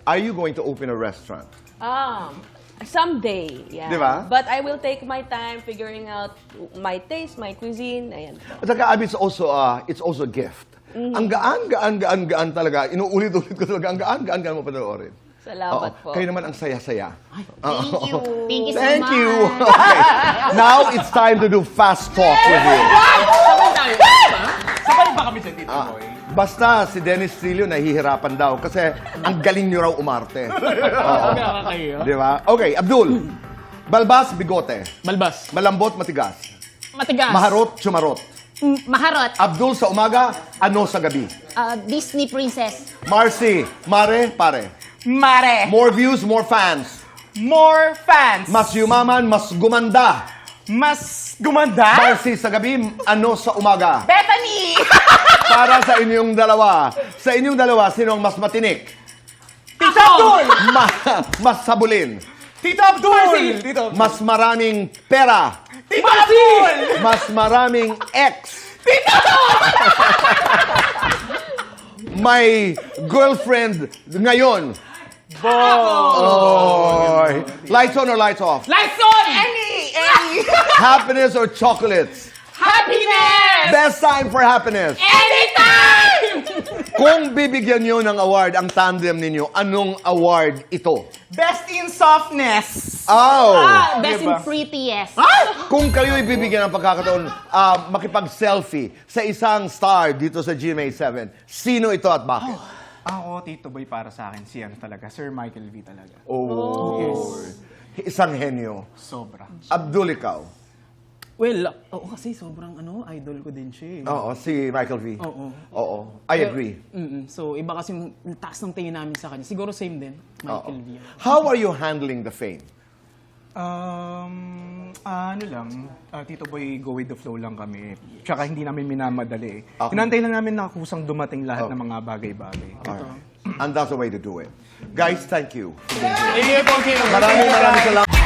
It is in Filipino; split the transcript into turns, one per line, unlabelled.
are you going to open a restaurant?
Someday, yeah.
Di ba?
But I will take my time figuring out my taste, my cuisine, ayan.
At saka, Abby, it's also a gift. Ang gaan talaga. Inuulit-ulit ko talaga. Ang gaan mo panoorin.
Salamat po.
Kayo naman ang saya-saya.
Thank you. Thank you so
Thank
much.
you. Okay. Now, it's time to do fast talk with you.
Sabay ba kami sa Tito Boy?
Basta si Dennis Trillo nahihirapan daw kasi ang galing niyo raw umarte.
Nakakayo.
Di ba? Okay, Abdul. Balbas, bigote.
Balbas.
Malambot, matigas.
Matigas.
Maharot, chumarot.
Maharot.
Abdul sa umaga, ano sa gabi.
Disney princess.
Marcy, mare, pare.
Mare.
More views, more fans.
More fans.
Mas yumaman, mas gumanda.
Mas gumanda.
Marcy sa gabi, ano sa umaga.
Bethany.
Para sa inyong dalawa. Sa inyong dalawa, sino ang mas matinik?
Tito Abdul.
Mas sabulin.
Tito Abdul. Tito Abdul.
Mas maraming pera.
Tito Abdul.
Mas maraming ex. May girlfriend ngayon. Boy. Lights on or lights off?
Lights on. Any.
Happiness or chocolates?
Happiness.
Best time for happiness.
Anytime.
Kung bibigyan nyo ng award ang tandem ninyo, anong award ito?
Best in softness.
Oh!
Best
Diba?
in prettiest.
Kung kayo ibibigyan ng pagkakataon makipag-selfie sa isang star dito sa GMA7, sino ito at bakit?
Ako, Tito Boy, para sa akin, si ano talaga, Sir Michael V talaga.
Oh. Isang henyo.
Sobra.
Abdul, ikaw.
Well, oo kasi sobrang idol ko din siya eh.
Oo, si Michael V.
Oo.
Oo. I agree.
So, iba kasi yung taas ng tingin namin sa kanya. Siguro same din, Michael V.
How are you handling the fame?
Ano lang, Tito Boy, go with the flow lang kami. Tsaka hindi namin minamadali.
Okay.
Inantay lang namin na kusang dumating lahat ng mga bagay-bagay.
Alright. And that's the way to do it. Guys, thank you.
Thank you.
Maraming salamat.